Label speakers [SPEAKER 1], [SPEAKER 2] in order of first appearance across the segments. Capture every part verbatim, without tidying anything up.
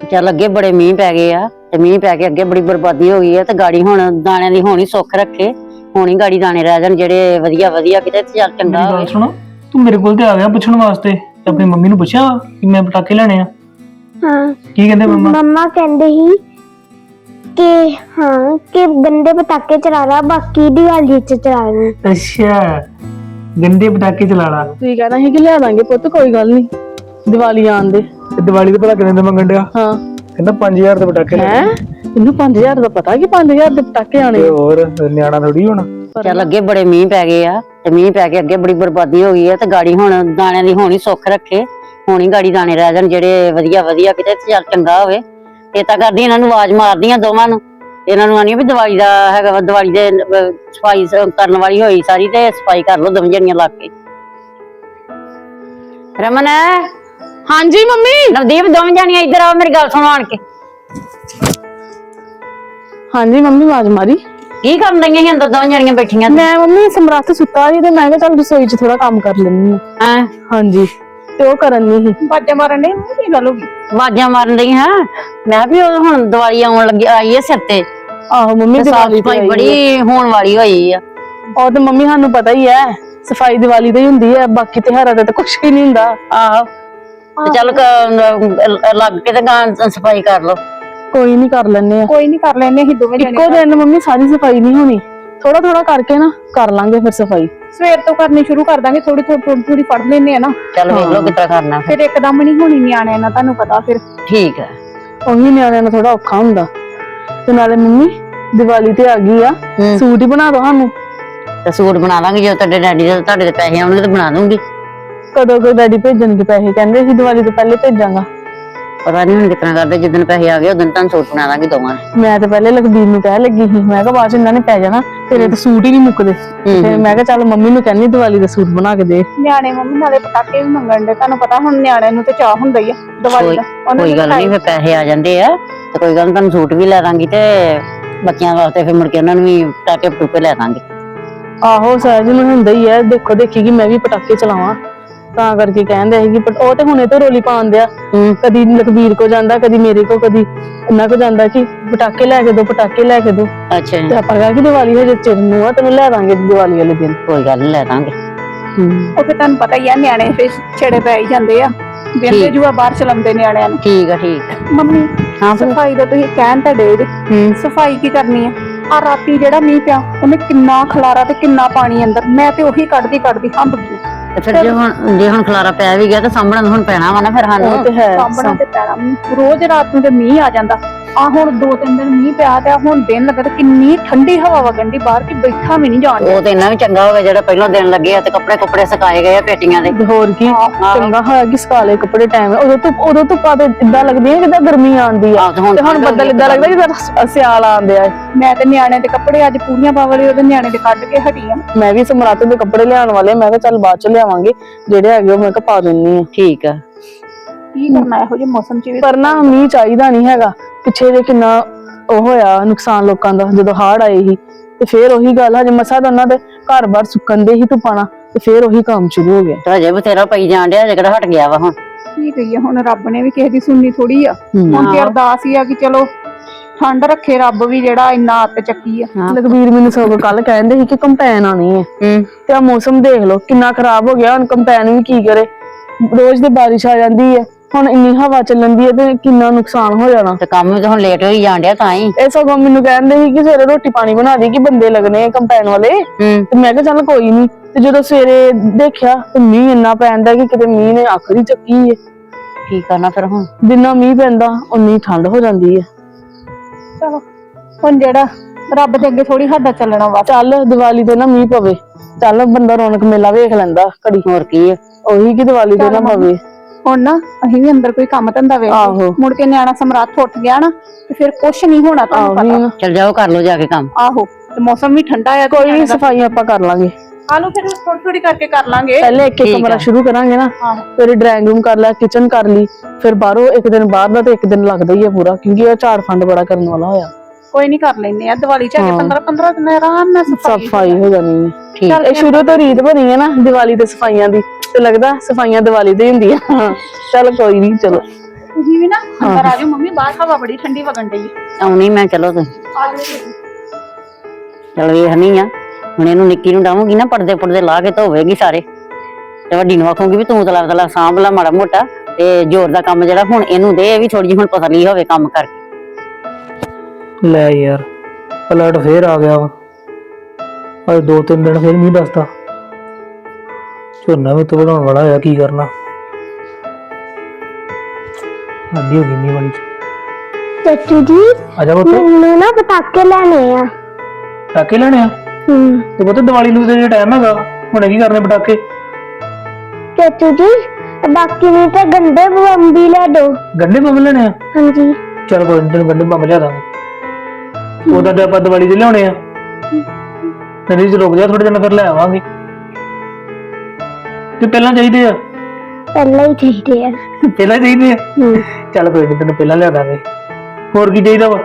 [SPEAKER 1] ਚੱਲ ਅੱਗੇ ਬੜੇ ਮੀਂਹ ਪੈ ਗਏ ਆ ਤੇ ਮੀਂਹ ਪੈ ਕੇ ਅੱਗੇ ਬੜੀ ਬਰਬਾਦੀ ਹੋ ਗਈ ਆ ਤੇ ਗਾੜੀ ਹੁਣ ਦਾਣਿਆਂ ਦੀ ਹੋਣੀ ਸੁੱਖ ਰੱਖੇ ਹੋਣੀ ਗਾੜੀ ਦਾਣੇ ਰਹਿ ਜਾਣ ਜਿਹੜੇ ਵਧੀਆ ਵਧੀਆ ਕਿਤੇ ਚੱਲ ਚੰਗਾ
[SPEAKER 2] ਮੇਰੀ
[SPEAKER 1] ਹੋਵੇ।
[SPEAKER 2] ਗੱਲ ਸੁਣੋ, ਤੂੰ ਮੇਰੇ ਕੋਲ ਤੇ ਆ ਗਿਆ ਪੁੱਛਣ ਵਾਸਤੇ ਤੇ ਆਪਣੀ ਮੰਮੀ ਨੂੰ ਪੁੱਛਿਆ ਕਿ ਮੈਂ ਪਟਾਕੇ ਲੈਣੇ ਆ?
[SPEAKER 3] हाँ
[SPEAKER 2] ਕੀ ਕਹਿੰਦੇ ਮੰਮਾ?
[SPEAKER 3] मम्मा कहते ही कि हाँ कि गंदे पटाके चला रहा बाकी दिवाली च चला रहे।
[SPEAKER 2] ਅੱਛਾ, ਗੰਦੇ ਪਟਾਕੇ ਚਲਾ ਲਾ।
[SPEAKER 4] ਤੁਸੀਂ ਕਹਿਣਾ ਸੀ ਕਿ ਲਿਆ ਦਾਂਗੇ ਪੁੱਤ, ਕੋਈ ਗੱਲ ਨਹੀਂ, ਦੀਵਾਲੀ ਆਉਣ ਦੇ।
[SPEAKER 2] ਤੇ ਦੀਵਾਲੀ ਤੇ ਭਲਾ ਕਿੰਨੇ ਦੇ ਮੰਗਣ ਡਿਆ?
[SPEAKER 4] ਹਾਂ
[SPEAKER 2] ਕਹਿੰਦਾ ਪੰਜ ਹਜ਼ਾਰ ਦੇ ਪਟਾਕੇ ਲੈ।
[SPEAKER 4] ਹੈ ਇਹਨੂੰ ਪੰਜ ਹਜ਼ਾਰ ਦਾ ਪਤਾ ਕਿ ਪੰਜ ਹਜ਼ਾਰ ਦੇ ਪਟਾਕੇ ਆਣੇ।
[SPEAKER 2] ਤੇ ਹੋਰ ਨਿਆਣਾ ਥੋੜੀ ਹੋਣਾ।
[SPEAKER 1] ਚੱਲ ਅੱਗੇ ਬੜੇ ਮੀਂਹ ਪੈ ਗਏ ਆ ਤੇ ਮੀਂਹ ਪੈ ਕੇ ਅੱਗੇ ਬੜੀ ਬਰਬਾਦੀ ਹੋ ਗਈ ਆ ਤੇ ਗਾੜੀ ਹੁਣ ਦਾਣਿਆਂ ਦੀ ਹੋਣੀ ਸੁੱਖ ਰੱਖੇ ਹੋਣੀ ਗਾੜੀ ਦਾਣੇ ਰਹਿ ਜਾਣ ਜਿਹੜੇ ਵਧੀਆ ਵਧੀਆ ਕਿਤੇ ਚੱਲ ਚੰਗਾ ਹੋਵੇ। ਇਹ ਤਾਂ ਕਰਦੀ ਇਹਨਾਂ ਨੂੰ ਆਵਾਜ਼ ਮਾਰਦੀਆਂ ਦੋਵਾਂ ਨੂੰ, ਇਹਨਾਂ ਨੂੰ ਆਨੀ ਵੀ ਦੀਵਾਲੀ ਦਾ ਹੈਗਾ ਵਾ, ਦੀਵਾਲੀ ਦੇ ਅਹ, ਸਫਾਈ ਸ- ਕਰਨ ਵਾਲੀ ਹੋਈ ਸਾਰੀ ਤੇ ਸਫਾਈ ਕਰ ਲੋ ਦੋਵੇਂ ਜਣੀਆਂ ਲੱਗ ਕੇ। ਰਮਨ
[SPEAKER 4] ਹਾਂਜੀ ਮੰਮੀ।
[SPEAKER 1] ਨਵਦੀਪ ਦੋਵੇਂ ਜਣੀਆਂ ਇੱਧਰ ਆਓ, ਮੇਰੀ ਗੱਲ ਸੁਣੋ ਆਣ ਕੇ।
[SPEAKER 4] ਹਾਂਜੀ ਮੰਮੀ ਆਵਾਜ਼ ਮਾਰੀ।
[SPEAKER 1] ਕੀ ਕਰਨ ਦਈਆਂ ਸੀ ਅੰਦਰ ਦੋਵੇਂ ਜਣੀਆਂ ਬੈਠੀਆਂ?
[SPEAKER 4] ਮੈਂ ਮੰਮੀ ਸਮਰੱਥ ਸੁੱਤਾ ਸੀ ਤੇ ਮੈਂ ਕਿਹਾ ਚੱਲ ਰਸੋਈ 'ਚ ਥੋੜਾ ਕੰਮ ਕਰ ਲੈਣੀ ਆ।
[SPEAKER 1] ਹਾਂ
[SPEAKER 4] ਹਾਂਜੀ ਤੇ ਉਹ ਕਰਨ ਨਹੀਂ ਸੀ।
[SPEAKER 5] ਬਾਜਾ ਮਾਰਨ ਨਹੀਂ ਕੀ ਗੱਲ ਹੋ ਗਈ?
[SPEAKER 1] ਆਵਾਜ਼ਾਂ ਮਾਰਨ ਡਈ ਹਾਂ ਮੈਂ ਵੀ ਉਹ ਹੁਣ ਦੀਵਾਲੀ ਆਉਣ ਲੱਗੀ ਆਈ ਹੈ ਸਿਰ ਤੇ
[SPEAKER 4] ਆਹੋ ਮੰਮੀ
[SPEAKER 1] ਤੇ ਸਾਫ
[SPEAKER 4] ਦੀਵਾਲੀ ਤੇ
[SPEAKER 1] ਸਫਾਈ
[SPEAKER 4] ਆਈ
[SPEAKER 1] ਬੜੀ ਹੋਣ ਵਾਲੀ ਹੋਈ ਆ।
[SPEAKER 4] ਆ। ਉਹ ਤੇ ਮੰਮੀ ਸਾਨੂੰ ਪਤਾ ਹੀ ਹੈ, ਸਫਾਈ ਦੀਵਾਲੀ ਤੇ ਹੀ ਹੁੰਦੀ ਹੈ, ਬਾਕੀ ਤਿਉਹਾਰਾਂ ਤੇ ਤਾਂ ਕੁਛ ਵੀ ਨਹੀਂ ਹੁੰਦਾ।
[SPEAKER 1] ਆਹੋ ਤੇ ਚੱਲ ਕ- ਲੱਗ ਕੇ ਤੇ ਗਾਂ ਸਫਾਈ ਕਰ ਲੋ।
[SPEAKER 4] ਕੋਈ ਨਹੀਂ ਕਰ ਲੈਣੇ ਆ
[SPEAKER 5] ਕੋਈ ਨਹੀਂ ਕਰ ਲੈਨੇ ਅਸੀਂ ਦੋਵੇਂ
[SPEAKER 4] ਇੱਕੋ ਦਿਨ। ਮੰਮੀ ਸਾਰੀ ਸਫਾਈ ਨਹੀਂ ਹੋਣੀ, ਥੋੜਾ ਥੋੜਾ ਕਰਕੇ ਨਾ ਕਰ ਲਾਂਗੇ ਫਿਰ ਸਫਾਈ।
[SPEAKER 5] ਸਵੇਰ ਤੋਂ ਕਰਨੀ ਸ਼ੁਰੂ ਕਰ ਦਾਂਗੇ, ਥੋੜੀ ਥੋੜੀ ਥੋੜੀ ਥੋੜੀ ਫੜ ਲੈਨੇ ਆ ਨਾ,
[SPEAKER 1] ਚੱਲ ਵੇਖ ਲੋ ਕਿੱਦਾਂ ਕਰਨਾ ਫਿਰ।
[SPEAKER 5] ਫਿਰ ਇੱਕਦਮ ਨਹੀਂ ਹੋਣੀ ਨਿਆਣਿਆਂ ਨਾਲ, ਤੁਹਾਨੂੰ ਪਤਾ ਫਿਰ।
[SPEAKER 1] ਠੀਕ ਹੈ।
[SPEAKER 4] ਉਹੀ ਨਿਆਣਿਆਂ ਨੂੰ ਥੋੜਾ ਔਖਾ ਹੁੰਦਾ। ਤੇ ਨਾਲੇ ਮੰਮੀ ਦੀਵਾਲੀ ਤੇ ਆ ਗਈ ਆ,
[SPEAKER 1] ਹੂੰ।
[SPEAKER 4] ਸੂਟ ਹੀ ਬਣਾ ਦੋ ਸਾਨੂੰ।
[SPEAKER 1] ਤੇ ਸੂਟ ਬਣਾ ਲਾਂਗੇ ਜੇ ਤੁਹਾਡੇ ਡੈਡੀ ਦੇ ਤੁਹਾਡੇ ਦੇ ਪੈਸੇ ਆਉਣਗੇ ਤੇ ਬਣਾ ਦੂੰਗੀ।
[SPEAKER 4] ਕਦੋਂ ਕੋਈ ਡੈਡੀ ਭੇਜਣਗੇ ਪੈਸੇ? ਕਹਿੰਦੇ ਸੀ ਦੀਵਾਲੀ ਤੋਂ ਪਹਿਲੇ ਭੇਜਾਂਗਾ।
[SPEAKER 1] ਪਤਾ ਨਹੀਂ ਹੁਣ ਕਿਤਨਾ ਕਰਦੇ, ਜਿੱਦਣ ਪੈਸੇ ਆ ਗਏ ਉਦੋਂ ਤੁਹਾਨੂੰ ਸੂਟ ਬਣਾ ਦਾਂਗੇ ਦੋਵਾਂ ਨੇ।
[SPEAKER 4] ਮੈਂ ਤਾਂ ਪਹਿਲੇ ਲਖਬੀਰ ਨੂੰ ਕਹਿ ਲੱਗੀ ਸੀ, ਮੈਂ ਕਿਹਾ ਬਾਅਦ ਚ ਇਹਨਾਂ ਨੇ ਪੈ ਜਾਣਾ, ਤੇਰੇ ਤਾਂ ਸੂਟ ਹੀ ਨਹੀਂ ਮੁੱਕਦੇ। ਤੇ ਮੈਂ ਕਿਹਾ ਚੱਲ ਮੰਮੀ ਨੂੰ ਕਹਿੰਦੀ ਦੀਵਾਲੀ ਦਾ ਸੂਟ ਬਣਾ ਕੇ ਦੇ।
[SPEAKER 5] ਨਿਆਣੇ ਮੰਮੀ ਨਾਲੇ ਪਟਾਕੇ ਵੀ ਮੰਗਣ ਦੇ, ਤੁਹਾਨੂੰ ਪਤਾ ਹੁਣ ਨਿਆਣਿਆਂ ਨੂੰ ਤੇ ਚਾਹ ਹੁੰਦਾ ਹੀ ਆ ਦੀਵਾਲੀ ਦਾ। ਉਹਨਾਂ
[SPEAKER 1] ਕੋਈ
[SPEAKER 5] ਨੂੰ
[SPEAKER 1] ਗੱਲ ਨਹੀਂ, ਫਿਰ ਪੈਸੇ ਆ ਜਾਂਦੇ ਆ ਤੇ ਕੋਈ ਗੱਲ ਨੀ, ਤੁਹਾਨੂੰ ਸੂਟ ਵੀ ਲੈ ਦਾਂਗੀ ਤੇ ਬੱਚਿਆਂ ਵਾਸਤੇ ਫਿਰ ਮੁੜ ਕੇ ਉਹਨਾਂ ਨੂੰ ਵੀ ਪਟਾਕੇ ਪਟੂਕੇ ਲੈ ਦਾਂਗੇ।
[SPEAKER 4] ਆਹੋ ਸਹਿਜ ਨੂੰ ਹੁੰਦਾ ਹੀ ਹੈ, ਦੇਖੋ ਦੇਖੀ ਕਿ ਮੈਂ ਵੀ ਪਟਾਕੇ ਚਲਾਵਾਂ, ਤਾਂ ਕਰਕੇ ਕਹਿੰਦੇ ਸੀ ਕਿ ਉਹ ਤੇ ਹੁਣੇ ਤੋਂ ਰੋਲੀ ਪਾਉਣ ਦਿਆ। ਕਦੀ ਲਖਬੀਰ ਕੋ ਜਾਂਦਾ, ਕਦੀ ਮੇਰੇ ਕੋ, ਕਦੀ ਇਹਨਾਂ ਕੋ ਜਾਂਦਾ ਕਿ ਪਟਾਕੇ ਲੈ ਕੇ ਦੋ, ਪਟਾਕੇ ਲੈ ਕੇ ਦੋ।
[SPEAKER 1] ਅੱਛਾ
[SPEAKER 4] ਤੇ ਆਪਾਂ ਕਿਹਾ ਕਿ ਦੀਵਾਲੀ ਹਜੇ ਚਿਰ ਨੂੰ ਆ, ਤੈਨੂੰ ਲੈ ਦਾਂਗੇ ਦੀਵਾਲੀ ਵਾਲੇ ਦਿਨ।
[SPEAKER 1] ਕੋਈ ਗੱਲ ਨੀ, ਲੈ ਦਾਂਗੇ।
[SPEAKER 5] ਉਹ ਫਿਰ ਤੁਹਾਨੂੰ ਪਤਾ ਹੀ ਆ ਨਿਆਣੇ ਫਿਰ ਛੇੜੇ ਪੈ ਹੀ ਜਾਂਦੇ ਆ, ਬਿੰਦੇ ਜੂਆ ਬਾਹਰ ਚਲਾਉਂਦੇ ਨਿਆਣਿਆਂ ਨੂੰ।
[SPEAKER 1] ਠੀਕ ਆ ਠੀਕ ਆ।
[SPEAKER 5] ਮੰਮੀ
[SPEAKER 1] ਹਾਂ ਫਿਰ।
[SPEAKER 5] ਸਫਾਈ ਦਾ ਤੁਸੀਂ ਕਹਿਣ ਤਾਂ ਡੇ ਜੇ, ਸਫਾਈ ਕੀ ਕਰਨੀ ਆ? ਆ ਰਾਤੀ ਜਿਹੜਾ ਮੀਂਹ ਪਿਆ ਉਹਨੇ ਕਿੰਨਾ ਖਲਾਰਾ ਤੇ ਕਿੰਨਾ ਪਾਣੀ ਅੰਦਰ, ਮੈਂ ਤੇ ਉਹੀ ਕੱਢਦੀ ਕੱਢਦੀ ਹੰਬ ਗਈ।
[SPEAKER 1] ਤੇ ਫਿਰ ਜੇ ਹੁਣ ਜੇ ਹੁਣ ਖਲਾਰਾ ਪੈ ਵੀ ਗਿਆ ਤਾਂ ਸਾਹਮਣੇ ਹੁਣ ਪੈਣਾ ਵਾ ਨਾ ਫਿਰ
[SPEAKER 4] ਉਹ
[SPEAKER 1] ਸਾਨੂੰ।
[SPEAKER 4] ਤੇ ਹੈ।
[SPEAKER 5] ਸਾਂਭਣਾ ਤੇ ਪੈਣਾ। ਰੋਜ਼ ਰਾਤ ਨੂੰ ਤੇ ਮੀਂਹ ਆ ਜਾਂਦਾ, ਆ ਹੁਣ ਦੋ ਤਿੰਨ ਦਿਨ ਮੀਂਹ ਪਿਆ ਤੇ ਆ ਹੁਣ ਦਿਨ ਲੱਗਾ ਤੇ ਕਿੰਨੀ ਠੰਡੀ ਹਵਾ ਵਗਣ ਦੀ ਬਾਹਰ, ਕਿ ਬੈਠਾ ਵੀ ਨਹੀਂ ਜਾਣ ਡਿਆ।
[SPEAKER 1] ਉਹ ਤੇ ਇੰਨਾ ਵੀ ਚੰਗਾ ਹੋ ਗਿਆ ਜਿਹੜਾ ਪਹਿਲਾਂ ਦਿਨ ਲੱਗੇ ਆ ਤੇ ਕੱਪੜੇ ਕੁੱਪੜੇ ਸੁਕਾਏ ਗਏ ਆ ਪੇਟੀਆਂ ਦੇ।
[SPEAKER 4] ਤੇ ਹੋਰ ਕੀ ਚੰਗਾ ਹੋਇਆ ਕਿ ਸਕਾਲੇ ਕੱਪੜੇ ਟਾਈਮ ਉਦੋਂ ਧੁੱਪ ਉਦੋਂ ਧੁੱਪਾਂ ਤੇ ਇਦਾਂ ਲੱਗਦੀਆਂ ਜਿੱਦਾਂ ਗਰਮੀ ਆਉਂਦੀ ਆ,
[SPEAKER 1] ਆਹ ਤੇ ਹੁਣ
[SPEAKER 4] ਤੇ ਹੁਣ ਬੱਦਲ ਇਦਾਂ ਲੱਗਦਾ ਜਿੱਦਾਂ ਸਿਆਲ ਆਉਂਦੇ ਆ।
[SPEAKER 5] ਮੈਂ ਤੇ ਨਿਆਣੇ ਦੇ ਕੱਪੜੇ ਅੱਜ ਪੂਰੀਆਂ ਪਾਵਲੇ ਉਹਦੇ ਨਿਆਣੇ ਦੇ ਕੱਢ ਕੇ ਹਟੀ ਆ।
[SPEAKER 4] ਮੈਂ ਵੀ ਸਮਰਾਤ ਦੇ ਕੱਪੜੇ ਲਿਆਉਣ ਵਾਲੇ, ਮੈਂ ਕਿਹਾ ਚੱਲ ਬਾਅਦ ਚ ਲਿਆਵਾਂਗੇ, ਜਿਹੜੇ ਹੈਗੇ ਉਹ ਮੈਂ ਕਿਹਾ ਪਾ ਦਿੰਨੀ ਆ।
[SPEAKER 1] ਠੀਕ ਆ।
[SPEAKER 5] ਕੀ ਕਰਨਾ ਇਹੋ ਜਿਹੇ ਮੌਸਮ ਚ ਵੀ।
[SPEAKER 4] ਪਰ ਨਾ ਮੀਂਹ ਚਾਹੀਦਾ ਨਹੀਂ ਹੈਗਾ। ਪਿੱਛੇ ਜੇ ਕਿੰਨਾ ਉਹ ਹੋਇਆ ਨੁਕਸਾਨ ਲੋਕਾਂ ਦਾ ਜਦੋਂ ਹੜ੍ਹ ਆਏ ਸੀ, ਤੇ ਫੇਰ ਉਹੀ ਗੱਲ ਹਜੇ ਮਸਾ ਤਾਂ ਉਹਨਾਂ ਦੇ ਘਰ ਬਾਰ ਸੁੱਕਣ ਦੇ ਹੀ ਧੁੱਪਾਂ, ਤੇ ਫੇਰ ਉਹੀ ਕੰਮ ਸ਼ੁਰੂ ਹੋ ਗਿਆ।
[SPEAKER 1] ਤੇ ਹਜੇ ਬਥੇਰਾ ਪਈ ਜਾਣ ਡਿਆ, ਹਜੇ ਕਿਹੜਾ ਹਟ ਗਿਆ ਵਾ ਹੁਣ।
[SPEAKER 5] ਕੀ ਕਹੀਏ ਹੁਣ, ਰੱਬ ਨੇ ਵੀ ਕਿਸੇ ਦੀ ਸੁਣਨੀ ਥੋੜੀ ਆ। ਹੁਣ ਤੇ ਅਰਦਾਸ ਹੀ ਆ ਕਿ ਚਲੋ ਠੰਡ ਰੱਖੇ ਰੱਬ ਵੀ, ਜਿਹੜਾ ਇੰਨਾ ਅੱਤ ਚੱਕੀ ਆ।
[SPEAKER 4] ਲਖਬੀਰ ਮੈਨੂੰ ਸਗੋਂ ਕੱਲ ਕਹਿੰਦੇ ਸੀ ਕਿ ਕੰਪੈਨ ਆਣੀ ਹੈ, ਤੇ ਆ ਮੌਸਮ ਦੇਖ ਲਓ ਕਿੰਨਾ ਖਰਾਬ ਹੋ ਗਿਆ। ਹੁਣ ਕੰਪੈਨ ਵੀ ਕੀ ਕਰੇ, ਰੋਜ਼ ਤੇ ਬਾਰਿਸ਼ ਆ ਜਾਂਦੀ ਹੈ, ਹੁਣ ਇੰਨੀ ਹਵਾ ਚੱਲਣ ਦੀ ਹੈ ਤੇ ਕਿੰਨਾ ਨੁਕਸਾਨ ਹੋ ਜਾਣਾ।
[SPEAKER 1] ਤੇ ਕੰਮ ਵੀ ਤਾਂ ਹੁਣ ਲੇਟ ਹੋਈ ਜਾਣ ਡਿਆ ਤਾਂ ਹੀ।
[SPEAKER 4] ਇਹ ਸਗੋਂ ਮੈਨੂੰ ਕਹਿੰਦੇ ਸੀ ਕਿ ਸਵੇਰੇ ਰੋਟੀ ਪਾਣੀ ਬਣਾ ਦੀ, ਕਿ ਬੰਦੇ ਲੱਗਣੇ ਕੰਪੈਨ ਵਾਲੇ। ਤੇ ਮੈਂ ਕਿਹਾ ਚੱਲ ਕੋਈ ਨੀ। ਤੇ ਜਦੋਂ ਸਵੇਰੇ ਦੇਖਿਆ ਤੇ ਮੀਂਹ ਇੰਨਾ ਪੈਂਦਾ ਕਿ ਕਿਤੇ ਮੀਂਹ ਨੇ ਆਖਰੀ ਚੱਕੀ ਹੈ।
[SPEAKER 1] ਕੀ ਕਰਨਾ ਫਿਰ ਹੁਣ?
[SPEAKER 4] ਜਿੰਨਾ ਮੀਂਹ ਪੈਂਦਾ ਉਨੀ ਠੰਡ ਹੋ ਜਾਂਦੀ ਹੈ।
[SPEAKER 5] ਚਲੋ ਹੁਣ ਜਿਹੜਾ ਰੱਬ ਦੇ ਅੱਗੇ ਥੋੜੀ ਸਾਡਾ ਚੱਲਣਾ ਵਾ।
[SPEAKER 4] ਚੱਲ ਦੀਵਾਲੀ ਤੇ ਨਾ ਮੀਂਹ ਪਵੇ, ਚੱਲ ਬੰਦਾ ਰੌਣਕ ਮੇਲਾ ਵੇਖ ਲੈਂਦਾ ਘੜੀ।
[SPEAKER 1] ਹੋਰ ਕੀ ਆ?
[SPEAKER 4] ਉਹੀ ਕਿ ਦੀਵਾਲੀ ਤੇ ਨਾ ਪਵੇ।
[SPEAKER 5] ਹੁਣ ਨਾ ਅਸੀਂ ਵੀ ਅੰਦਰ ਕੋਈ ਕੰਮ ਧੰਦਾ ਵੇਖ
[SPEAKER 4] ਆਹੋ।
[SPEAKER 5] ਮੁੜ ਕੇ ਨਿਆਣਾ ਸਮਰਾਤ ਉੱਠ ਗਿਆ ਨਾ ਤੇ ਫਿਰ ਕੁਛ ਨਹੀਂ ਹੋਣਾ, ਤੁਹਾਨੂੰ ਪਤਾ।
[SPEAKER 1] ਚੱਲ ਜਾਓ ਕਰ ਲਓ ਜਾ ਕੇ ਕੰਮ।
[SPEAKER 5] ਆਹੋ ਤੇ ਮੌਸਮ ਵੀ ਠੰਡਾ ਆ।
[SPEAKER 4] ਕੋਈ ਨੀ, ਸਫਾਈ ਆਪਾਂ ਕਰ ਲਾਂਗੇ।
[SPEAKER 5] ਆਲੂ ਫਿਰ ਥੋੜੀ ਥੋੜੀ ਕਰਕੇ ਕਰ ਲਾਂਗੇ।
[SPEAKER 4] ਪਹਿਲੇ ਇੱਕ ਇੱਕ ਕਮਰਾ ਸ਼ੁਰੂ ਕਰਾਂਗੇ ਨਾ, ਫਿਰ ਡਰਾਇੰਗ ਰੂਮ ਕਰ ਲਿਆ, ਕਿਚਨ ਕਰ ਲਈ, ਫਿਰ ਬਾਹਰੋਂ ਇੱਕ ਦਿਨ ਬਾਹਰ ਦਾ ਤੇ ਇੱਕ ਦਿਨ ਲੱਗਦਾ ਹੀ ਆ ਪੂਰਾ, ਕਿਉਂਕਿ ਇਹ ਝਾੜ ਫੰਡ ਬੜਾ ਕਰਨ ਵਾਲਾ ਹੋਇਆ।
[SPEAKER 5] ਕੋਈ ਨਹੀਂ ਕਰ ਲੈਨੇ ਆ, ਦੀਵਾਲੀ ਚ ਆ ਕੇ ਪੰਦਰਾਂ ਪੰਦਰਾਂ ਦਿਨ ਆਰਾਮ ਨਾਲ
[SPEAKER 4] ਸਫਾਈ ਹੋ ਜਾਣੀ ਹੈ।
[SPEAKER 1] ਚੱਲ
[SPEAKER 4] ਇਹ ਸ਼ੁਰੂ ਤੋਂ ਰੀਤ ਬਣੀ ਹੈ ਨਾ ਦੀਵਾਲੀ ਤੇ ਸਫਾਈਆਂ ਦੀ, ਤੇ ਲੱਗਦਾ ਸਫਾਈਆਂ ਦੀਵਾਲੀ ਤੇ ਹੁੰਦੀਆਂ। ਚੱਲ ਕੋਈ ਨਹੀਂ, ਚਲੋ
[SPEAKER 5] ਤੁਸੀਂ ਵੀ ਨਾ ਅੰਦਰ ਆ ਜਾਓ ਮੰਮੀ, ਬਾਹਰ ਹਵਾ ਬੜੀ ਠੰਡੀ ਵਗਣ ਡਈ ਹੈ।
[SPEAKER 1] ਆਉਣੀ ਮੈਂ, ਚਲੋ ਤੁਸੀਂ
[SPEAKER 5] ਆ ਜਾਓ।
[SPEAKER 1] ਚਲ ਵੇਖਣੀ ਆ ਹੁਣ, ਇਹਨੂੰ ਨਿੱਕੀ ਨੂੰ ਡਾਵਾਂਗੀ ਨਾ, ਪਰਦੇ ਪੁਰਦੇ ਲਾ ਕੇ ਧੋਵੇਗੀ ਸਾਰੇ, ਤੇ ਵੱਡੀ ਨੂੰ ਆਖੂਗੀ ਵੀ ਤੂੰ ਤਲਾ ਤਲਾ ਸਾਂਭ ਲਾ ਮਾੜਾ ਮੋਟਾ, ਤੇ ਜ਼ੋਰ ਦਾ ਕੰਮ ਜਿਹੜਾ ਹੁਣ ਇਹਨੂੰ ਦੇ, ਇਹ ਵੀ ਥੋੜੀ ਜਿਹੀ ਹੁਣ ਪਤਲੀ ਹੋਵੇ ਕੰਮ ਕਰਕੇ।
[SPEAKER 2] ਲੈ ਯਾਰ ਪਲਟ ਫੇਰ ਆ ਗਿਆ ਵਾ, ਅੱਜ ਦੋ ਤਿੰਨ ਦਿਨ ਫੇਰ ਮੀਂਹ ਦੱਸਦਾ, ਝੋਨਾ ਵੀ ਤੋਂ ਵਧਾਉਣ ਵਾਲਾ ਹੋਇਆ, ਕੀ ਕਰਨਾ। ਅੱਧੀ ਹੋ ਗਈ ਮੀਂਹ ਵਾਲੀ ਚ।
[SPEAKER 3] ਚਾਚੂ ਜੀ
[SPEAKER 2] ਆ ਜਾ ਪੁੱਤ,
[SPEAKER 3] ਮੈਨੂੰ ਨਾ ਪਟਾਕੇ ਲੈਣੇ ਆ।
[SPEAKER 2] ਪਟਾਕੇ ਲੈਣੇ ਆ?
[SPEAKER 3] ਹੂੰ
[SPEAKER 2] ਤੇ ਪੁੱਤ ਦੀਵਾਲੀ ਨੂੰ ਤੇ ਟਾਈਮ ਹੈਗਾ, ਹੁਣੇ ਕੀ ਕਰਨੇ ਪਟਾਕੇ?
[SPEAKER 3] ਚਾਚੂ ਜੀ ਬਾਕੀ ਨਹੀਂ ਤੇ ਗੰਡੇ ਬੰਬ ਵੀ ਲੈ ਦੋ।
[SPEAKER 2] ਗੰਡੇ ਬੰਬ ਲੈਣੇ ਆ?
[SPEAKER 3] ਹਾਂਜੀ
[SPEAKER 2] ਚਲ ਕੋਈ ਨੀ, ਤੈਨੂੰ ਗੰਡੇ ਬੰਬ ਲਿਆ ਦਾਂਗੇ। ਉਹਦਾ ਤੇ ਆਪਾਂ ਦੀਵਾਲੀ ਦੇ ਲਿਆਉਣੇ ਆ, ਤੇਰੀ ਚ ਰੁਕ ਜਾ ਥੋੜੇ ਦਿਨ ਫਿਰ ਲੈ ਆਵਾਂਗੇ। ਤੇ ਪਹਿਲਾਂ ਚਾਹੀਦੇ ਆ?
[SPEAKER 3] ਪਹਿਲਾਂ ਹੀ ਚਾਹੀਦੇ ਆ।
[SPEAKER 2] ਪਹਿਲਾਂ ਚਾਹੀਦੇ ਆ?
[SPEAKER 3] ਹੂੰ
[SPEAKER 2] ਚੱਲ ਕੋਈ ਨੀ, ਤੈਨੂੰ ਪਹਿਲਾਂ ਲਿਆ ਦਾਂਗੇ। ਹੋਰ ਕੀ ਚਾਹੀਦਾ ਵਾ?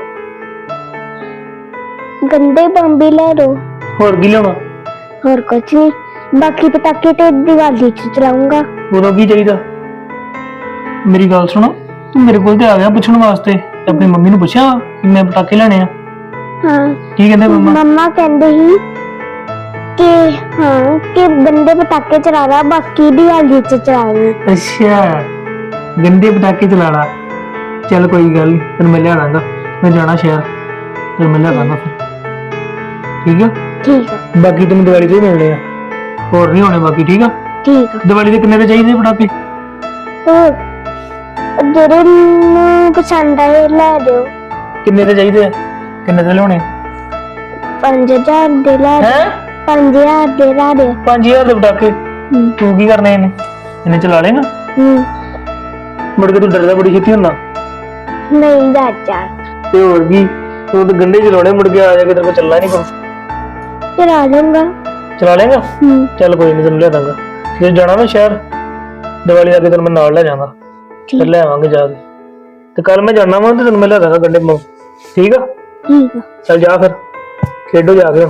[SPEAKER 3] ਗੰਡੇ ਬੰਬ ਵੀ ਲੈ ਦੋ।
[SPEAKER 2] ਹੋਰ ਕੀ ਲਿਆਉਣਾ?
[SPEAKER 3] ਹੋਰ ਕੁਛ ਨਹੀਂ, ਬਾਕੀ ਪਟਾਕੇ ਤੇ ਦੀਵਾਲੀ ਚ ਚਲਾਉਂਗਾ।
[SPEAKER 2] ਉਦੋਂ ਕੀ ਚਾਹੀਦਾ? ਮੇਰੀ ਗੱਲ ਸੁਣੋ, ਤੂੰ ਮੇਰੇ ਕੋਲ ਤੇ ਆ ਗਿਆ ਪੁੱਛਣ ਵਾਸਤੇ, ਤੇ ਆਪਣੀ ਮੰਮੀ ਨੂੰ ਪੁੱਛਿਆ ਕਿ ਮੈਂ ਪਟਾਕੇ ਲੈਣੇ ਆ?
[SPEAKER 3] ਹਾਂ
[SPEAKER 2] ਕੀ ਕਹਿੰਦੇ ਮੰਮਾ?
[SPEAKER 3] ਮੰਮਾ ਕਹਿੰਦੇ ਸੀ ਕਿ ਹਾਂ ਕਿ ਗੰਡੇ ਪਟਾਕੇ ਚਲਾਣਾ, ਬਾਕੀ ਦੀਵਾਲੀ ਚ ਚਲਾਣੀ।
[SPEAKER 2] ਅੱਛਾ, ਗੰਦੇ ਪਟਾਕੇ ਚਲਾਣਾ। ਚੱਲ ਕੋਈ ਗੱਲ ਨੀ, ਤੈਨੂੰ ਮੈਂ ਲਿਆ ਦਾਂਗਾ, ਮੈਂ ਜਾਣਾ ਸ਼ਹਿਰ, ਤੈਨੂੰ ਮੈਂ ਲਿਆ ਦਾਂਗਾ ਫਿਰ, ਠੀਕ ਆ?
[SPEAKER 3] ਠੀਕ ਆ
[SPEAKER 2] ਬਾਕੀ ਤੈਨੂੰ ਦੀਵਾਲੀ ਤੇ ਹੀ ਮਿਲਣੇ ਆ, ਹੋਰ ਨਹੀਂ ਹੋਣੇ ਬਾਕੀ, ਠੀਕ ਆ?
[SPEAKER 3] ਠੀਕ ਆ।
[SPEAKER 2] ਦੀਵਾਲੀ ਦੇ ਕਿੰਨੇ ਦੇ ਚਾਹੀਦੇ ਪਟਾਕੇ?
[SPEAKER 3] ਹੋਰ ਜਿਹੜੇ ਨੂੰ ਪਸੰਦ ਆਏ ਲੈ ਦਿਓ।
[SPEAKER 2] ਕਿੰਨੇ ਦੇ ਚਾਹੀਦੇ ਆ? ਕਿੰਨੇ ਦੇ ਲਿਆਉਣੇ?
[SPEAKER 3] ਪੰਜ ਹਜ਼ਾਰ ਦੇ ਲੈ ਦਿਓ।
[SPEAKER 2] ਹੈ
[SPEAKER 3] ਪੰਜ ਹਜ਼ਾਰ ਦੇ ਲੈ ਦਿਓ।
[SPEAKER 2] ਪੰਜ ਹਜ਼ਾਰ ਦੇ ਪਟਾਕੇ?
[SPEAKER 3] ਹੂੰ
[SPEAKER 2] ਤੂੰ ਕੀ ਕਰਨੇ ਇਹਨੇ? ਇਹਨੇ ਚਲਾ ਲੇਗਾ?
[SPEAKER 3] ਹੂੰ
[SPEAKER 2] ਮੁੜ ਕੇ ਤੂੰ ਡਰਦਾ ਬੜੀ ਛੇਤੀ ਹੁੰਦਾ।
[SPEAKER 3] ਨਹੀਂ ਚਾਚਾ
[SPEAKER 2] ਤੇ ਹੋਰ ਕੀ, ਤੂੰ ਤਾਂ ਗੰਢੇ ਚਲਾਉਣੇ, ਮੁੜ ਕੇ ਆ ਜਾ ਕੇ ਤੇਰੇ ਕੋਲ ਚੱਲਣਾ ਨਹੀਂ ਕੋ।
[SPEAKER 3] ਚਲਾ ਲੂੰਗਾ।
[SPEAKER 2] ਚਲਾ ਲੇਗਾ?
[SPEAKER 3] ਹੂੰ
[SPEAKER 2] ਚੱਲ ਕੋਈ ਨਹੀਂ, ਤੈਨੂੰ ਲਿਆ ਦਾਂਗਾ। ਜੇ ਜਾਣਾ ਨਾ ਸ਼ਹਿਰ ਦੀਵਾਲੀ ਆ ਕੇ, ਤੈਨੂੰ ਮੈਂ ਨਾਲ ਲੈ ਜਾਵਾਂਗਾ, ਫਿਰ ਲੈ ਆਵਾਂਗੇ ਜਾ ਕੇ। ਤੇ ਕੱਲ ਮੈਂ ਜਾਣਾ ਵਾ ਤੇ ਤੈਨੂੰ ਮੈਂ ਲਿਆ ਦਾਂਗਾ ਗੰਢੇ ਬੰਬ, ਠੀਕ ਆ?
[SPEAKER 3] ਠੀਕ ਆ।
[SPEAKER 2] ਚੱਲ ਜਾ ਫਿਰ, ਖੇਡੋ ਜਾ ਕੇ।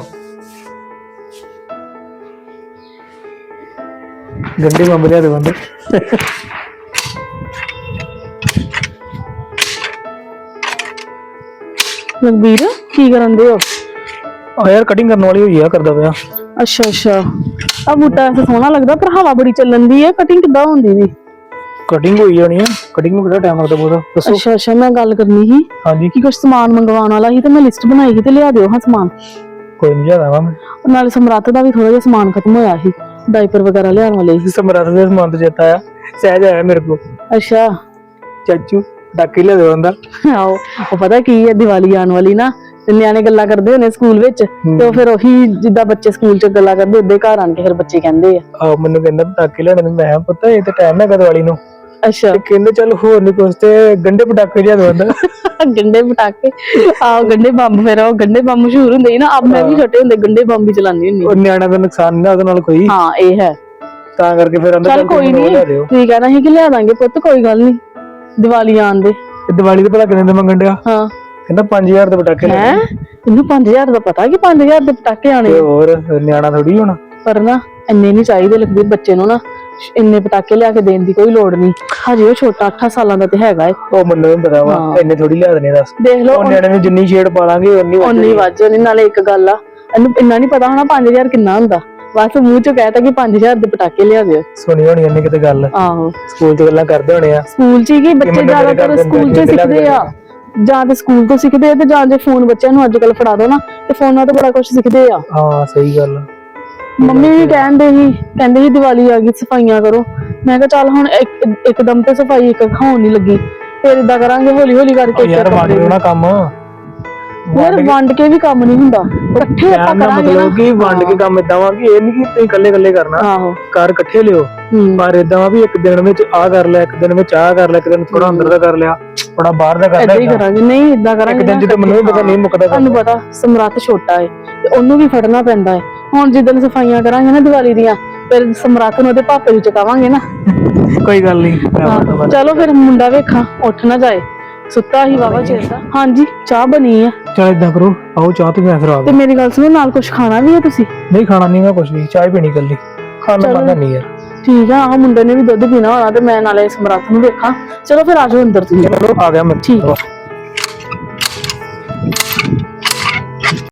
[SPEAKER 2] ਗੰਢੇ ਬੰਬ ਲਿਆ ਦੇ ਬੰਦੇ।
[SPEAKER 4] ਲਖਬੀਰ ਕੀ ਕਰਨ ਦੇ ਹੋ?
[SPEAKER 2] ਆ ਯਾਰ ਕਟਿੰਗ ਕਰਨ ਵਾਲੀ ਹੋਈ ਆ, ਕਰਦਾ ਪਿਆ।
[SPEAKER 4] ਅੱਛਾ ਅੱਛਾ, ਆ ਬੂਟਾ ਐਸਾ ਸੋਹਣਾ ਲੱਗਦਾ, ਪਰ ਹਵਾ ਬੜੀ ਚੱਲਣ ਦੀ ਹੈ, ਕਟਿੰਗ ਕਿੱਦਾਂ ਹੁੰਦੀ ਵੀ?
[SPEAKER 2] ਕਟਿੰਗ ਹੋਈ ਜਾਣੀ ਆ, ਕਟਿੰਗ ਨੂੰ ਕਿਹੜਾ ਟਾਈਮ ਲੱਗਦਾ ਬਹੁਤਾ, ਦੱਸੋ।
[SPEAKER 4] ਅੱਛਾ ਅੱਛਾ, ਮੈਂ ਗੱਲ ਕਰਨੀ ਸੀ
[SPEAKER 2] ਹਾਂਜੀ
[SPEAKER 4] ਕਿ ਕੁਝ ਸਮਾਨ ਮੰਗਵਾਉਣ ਵਾਲਾ ਸੀ, ਤੇ ਮੈਂ ਲਿਸਟ ਬਣਾਈ ਸੀ, ਤੇ ਲਿਆ ਦਿਓ ਹਾਂ ਸਮਾਨ।
[SPEAKER 2] ਕੋਈ ਨਹੀਂ ਲਿਆ ਦਾਂਗਾ ਮੈਂ।
[SPEAKER 4] ਨਾਲੇ ਸਮਰੱਥ ਦਾ ਵੀ ਥੋੜਾ ਜਿਹਾ ਸਮਾਨ ਖਤਮ ਹੋਇਆ ਸੀ, ਡਾਈਪਰ ਵਗੈਰਾ ਲਿਆਉਣ ਵਾਲੇ ਸੀ।
[SPEAKER 2] ਸਮਰੱਥ ਦੇ ਸਮਾਨ ਤੋਂ ਚੇਤਾ ਆਇਆ, ਸਹਿਜ ਆਇਆ ਮੇਰੇ ਕੋਲ,
[SPEAKER 4] ਅੱਛਾ
[SPEAKER 2] ਚਾਚੂ ਡਾਕੇ ਲਿਆ ਦੇ ਬੰਦਾ।
[SPEAKER 4] ਆਓ, ਉਹ ਪਤਾ ਕੀ ਹੈ, ਦੀਵਾਲੀ ਆਉਣ ਵਾਲੀ ਨਾ, ਤੇ ਨਿਆਣੇ ਗੱਲਾਂ ਕਰਦੇ ਹੁੰਦੇ ਸਕੂਲ ਵਿੱਚ, ਤੇ ਉਹ ਫਿਰ ਉਹੀ ਜਿੱਦਾਂ ਬੱਚੇ ਸਕੂਲ ਚ ਗੱਲਾਂ ਕਰਦੇ, ਉਦਾਂ ਹੀ ਘਰ ਆਣ ਕੇ ਫਿਰ ਬੱਚੇ ਕਹਿੰਦੇ ਆ।
[SPEAKER 2] ਆ ਮੈਨੂੰ ਕਹਿੰਦਾ ਪਟਾਕੇ ਲੈਣੇ ਨੇ, ਮੈਂ ਪਤਾ ਇਹ ਤੇ ਟਾਈਮ ਹੈਗਾ ਦੀਵਾਲੀ ਨੂੰ।
[SPEAKER 4] ਅੱਛਾ,
[SPEAKER 2] ਤੇ ਕਹਿੰਦੇ ਚੱਲ ਹੋਰ ਨਹੀਂ ਕੁਛ, ਤੇ ਗੰਡੇ ਪਟਾਕੇ ਲਿਆ ਦੇ ਬੰਦਾ।
[SPEAKER 4] ਗੰਡੇ ਪਟਾਕੇ, ਆਹ ਗੰਡੇ ਬੰਬ, ਫਿਰ ਉਹ ਗੰਡੇ ਬੰਬ ਮਸ਼ਹੂਰ ਹੁੰਦੇ ਸੀ ਨਾ, ਆਪ ਮੈਂ ਵੀ ਛੋਟੇ ਹੁੰਦੇ ਗੰਡੇ ਬੰਬ ਹੀ ਚਲਾਉਂਦੀ ਹੁੰਦੀ।
[SPEAKER 2] ਉਹ ਨਿਆਣਿਆਂ ਦਾ ਨੁਕਸਾਨ ਨਹੀਂ ਉਹਦੇ ਨਾਲ ਕੋਈ,
[SPEAKER 4] ਹਾਂ ਇਹ ਹੈ,
[SPEAKER 2] ਤਾਂ ਕਰਕੇ ਫਿਰ ਅੰਦਰ
[SPEAKER 4] ਚੱਲ ਕੋਈ ਨੀ,
[SPEAKER 2] ਲਿਆ ਦਿਓ।
[SPEAKER 4] ਤੁਸੀਂ ਕਹਿਣਾ ਸੀ ਕਿ ਲਿਆ ਦਾਂਗੇ ਪੁੱਤ, ਕੋਈ ਗੱਲ ਨੀ, ਦੀਵਾਲੀ ਆਉਣ ਦੇ।
[SPEAKER 2] ਤੇ ਦੀਵਾਲੀ ਦੇ ਭਲਾ ਕਿੰਨੇ ਦੇ ਮੰਗਣ ਡਿਆ?
[SPEAKER 4] ਹਾਂ
[SPEAKER 2] ਕਹਿੰਦਾ ਪੰਜ ਹਜ਼ਾਰ ਦੇ ਪਟਾਕੇ
[SPEAKER 4] ਹੈ,
[SPEAKER 2] ਲੈਣੇ।
[SPEAKER 4] ਇਹਨੂੰ ਪੰਜ ਹਜ਼ਾਰ ਦਾ ਪਤਾ ਕਿ ਪੰਜ ਹਜ਼ਾਰ ਦੇ ਪਟਾਕੇ ਆਣੇ,
[SPEAKER 2] ਤੇ ਹੋਰ ਨਿਆਣਾ ਥੋੜੀ ਹੋਣਾ।
[SPEAKER 4] ਪਰ ਨਾ ਇੰਨੇ ਨਹੀਂ ਚਾਹੀਦੇ ਲਖਬੀਰ, ਬੱਚੇ ਨੂੰ ਨਾ ਇੰਨੇ ਪਟਾਕੇ ਲਿਆ ਕੇ ਦੇਣ ਦੀ ਕੋਈ ਲੋੜ ਨਹੀਂ, ਹਜੇ ਉਹ ਛੋਟਾ ਅੱਠ ਸਾਲਾਂ ਦਾ ਤੇ ਹੈਗਾ ਏ।
[SPEAKER 2] ਉਹ ਮੈਨੂੰ ਵੀ ਪਤਾ ਵਾ,
[SPEAKER 4] ਹਾਂ।
[SPEAKER 2] ਇੰਨੇ ਥੋੜੀ ਲਿਆ ਦੇਣੇ, ਦੱਸ।
[SPEAKER 4] ਦੇਖ ਲਓ
[SPEAKER 2] ਉਹ ਨਿਆਣੇ ਨੂੰ ਜਿੰਨੀ ਛੇੜ ਪਾ ਲਾਂਗੇ ਉਨੀ
[SPEAKER 4] ਉਨੀ ਵੱਜ ਜਾਣੀ। ਨਾਲੇ ਇੱਕ ਗੱਲ ਆ, ਇਹਨੂੰ ਇੰਨਾ ਨਹੀਂ ਪਤਾ ਹੋਣਾ ਪੰਜ ਹਜ਼ਾਰ ਕਿੰਨਾ ਹੁੰਦਾ, ਬਸ ਮੂੰਹ ਚੋਂ ਕਹਿਤਾ ਕਿ ਪੰਜ ਹਜ਼ਾਰ ਦੇ ਪਟਾਕੇ ਲਿਆ ਦਿਓ।
[SPEAKER 2] ਸੁਣੀ ਹੋਣੀ ਇਹਨੇ ਕਿਤੇ ਗੱਲ,
[SPEAKER 4] ਆਹੋ,
[SPEAKER 2] ਸਕੂਲ ਚ ਗੱਲਾਂ ਕਰਦੇ ਹੋਣੇ ਆ।
[SPEAKER 4] ਸਕੂਲ ਚ ਹੀ ਕੀ ਬੱਚੇ
[SPEAKER 2] ਮੈਨੂੰ ਮੇਰੇ
[SPEAKER 4] ਜ਼ਿਆਦਾਤਰ
[SPEAKER 2] ਘਰ ਦੇ
[SPEAKER 4] ਸਕੂਲ ਚ
[SPEAKER 2] ਬੱਚੇ
[SPEAKER 4] ਸਿੱਖਦੇ ਆ, ਜਾਂ ਤੇ ਸਕੂਲ ਤੋਂ ਸਿੱਖਦੇ ਆ, ਤੇ ਜਾਂ ਜੇ ਫੋਨ ਬੱਚਿਆਂ ਨੂੰ ਅੱਜ ਕੱਲ ਫੜਾ ਦੋ ਨਾ, ਤੇ ਫੋਨਾਂ ਤੋਂ ਬੜਾ ਕੁਝ ਸਿੱਖਦੇ ਆ।
[SPEAKER 2] ਹਾਂ ਸਹੀ ਗੱਲ।
[SPEAKER 4] ਮੰਮੀ ਵੀ ਕਹਿੰਦੇ ਸੀ, ਕਹਿੰਦੇ ਸੀ ਦੀਵਾਲੀ ਆ ਗਈ ਸਫਾਈਆਂ ਕਰੋ, ਮੈਂ ਕਿਹਾ ਚੱਲ ਹੁਣ ਇੱਕ ਇੱਕਦਮ ਤੇ ਸਫਾਈ ਇੱਕ ਖਾਉਣ ਨਹੀਂ ਲੱਗੀ, ਫਿਰ ਇਦਾਂ ਕਰਾਂਗੇ ਹੌਲੀ ਹੌਲੀ ਕਰਕੇ।
[SPEAKER 2] ਉਹ ਯਾਰ ਵੰਡ ਲਓ ਨਾ ਕੰਮ,
[SPEAKER 4] ਯਾਰ ਵੰਡ ਕੇ ਵੀ ਕੰਮ ਨਹੀਂ ਹੁੰਦਾ, ਇਕੱਠੇ ਆਪਾਂ
[SPEAKER 2] ਕਹਿਣ ਦਾ
[SPEAKER 4] ਕਰਾਂਗੇ ਨਾ।
[SPEAKER 2] ਮਤਲਬ ਕਿ ਵੰਡ ਕੇ ਕੰਮ ਏਦਾਂ ਵਾ ਕਿ ਇਹ ਨਹੀਂ ਕਿ ਤੁਸੀਂ ਇਕੱਲੇ ਇਕੱਲੇ ਕਰਨਾ,
[SPEAKER 4] ਆਹੋ,
[SPEAKER 2] ਘਰ ਇਕੱਠੇ ਲਿਓ।
[SPEAKER 4] ਹੂੰ,
[SPEAKER 2] ਪਰ ਏਦਾਂ ਵਾ ਵੀ ਇੱਕ ਦਿਨ ਵਿੱਚ ਆਹ ਕਰ ਲਿਆ, ਇੱਕ ਦਿਨ ਵਿੱਚ ਆਹ ਕਰ ਲਿਆ, ਇੱਕ ਦਿਨ ਥੋੜਾ ਅੰਦਰ ਦਾ ਕਰ ਲਿਆ, ਥੋੜਾ ਬਾਹਰ ਦਾ ਕਰ
[SPEAKER 4] ਏਦਾਂ ਹੀ
[SPEAKER 2] ਲਿਆ।
[SPEAKER 4] ਕਰਾਂਗੇ, ਨਹੀਂ ਏਦਾਂ
[SPEAKER 2] ਇੱਕ
[SPEAKER 4] ਕਰਾਂਗੇ
[SPEAKER 2] ਦਿਨ
[SPEAKER 4] ਨਾ,
[SPEAKER 2] ਜਦੋਂ ਮੈਨੂੰ ਵੀ ਪਤਾ ਨਹੀਂ ਮੁੱਕਦਾ
[SPEAKER 4] ਤੁਹਾਨੂੰ ਪਤਾ ਸਮਰੱਥ ਛੋਟਾ ਹੈ, ਤੇ ਉਹਨੂੰ ਵੀ ਫੜਨਾ ਪੈਂਦਾ ਹੈ। ਹੁਣ ਜਿੱਦਣ ਸਫਾਈਆਂ ਕਰਾਂਗੇ ਨਾ ਦੀਵਾਲੀ ਦੀਆਂ, ਫਿਰ ਸਮਰੱਥ ਨੂੰ ਉਹਦੇ ਪਾਪੇ ਨੂੰ ਚੁਕਾਵਾਂਗੇ ਨਾ।
[SPEAKER 2] ਕੋਈ ਗੱਲ ਨਹੀਂ।
[SPEAKER 4] ਹਾਂ, ਚਲੋ ਫਿਰ ਮੁੰਡਾ ਵੇਖਾਂ ਉੱਠ ਨਾ ਜਾਏ, ਸੁੱਤਾ ਹੀ ਵਾਵਾ ਚਿਰ ਦਾ। ਹਾਂਜੀ ਚਾਹ ਬਣੀ ਆ,
[SPEAKER 2] ਚਲ ਏਦਾਂ ਕਰੋ, ਆਓ ਚਾਹ ਤੇ ਮੈਂ ਫਿਰ ਆ
[SPEAKER 4] ਤੇ ਮੇਰੀ ਗੱਲ ਸੁਣੋ, ਨਾਲ ਕੁਝ ਖਾਣਾ ਵੀ ਹੈ ਤੁਸੀਂ?
[SPEAKER 2] ਨਹੀਂ ਖਾਣਾ ਨਹੀਂ ਮੈਂ ਕੁਝ ਵੀ, ਚਾਹ ਪੀਣੀ ਕੱਲੀ, ਖਾਣਾ
[SPEAKER 4] ਚਲੋ।
[SPEAKER 2] ਪਾਣਾ ਨਹੀਂ ਯਾਰ।
[SPEAKER 4] ਠੀਕ ਆ, ਆਹ ਮੁੰਡੇ ਨੇ ਵੀ ਦੁੱਧ ਪੀਣਾ ਹੋਣਾ ਤੇ ਮੈਂ ਨਾਲੇ ਸਮਰੱਥ ਨੂੰ ਵੇਖਾਂ। ਚਲੋ ਫਿਰ ਆਜੋ ਅੰਦਰ ਤੁਸੀਂ।
[SPEAKER 2] ਚਲੋ ਆ ਗਿਆ ਮੈਂ
[SPEAKER 4] ਠੀਕ ਆ।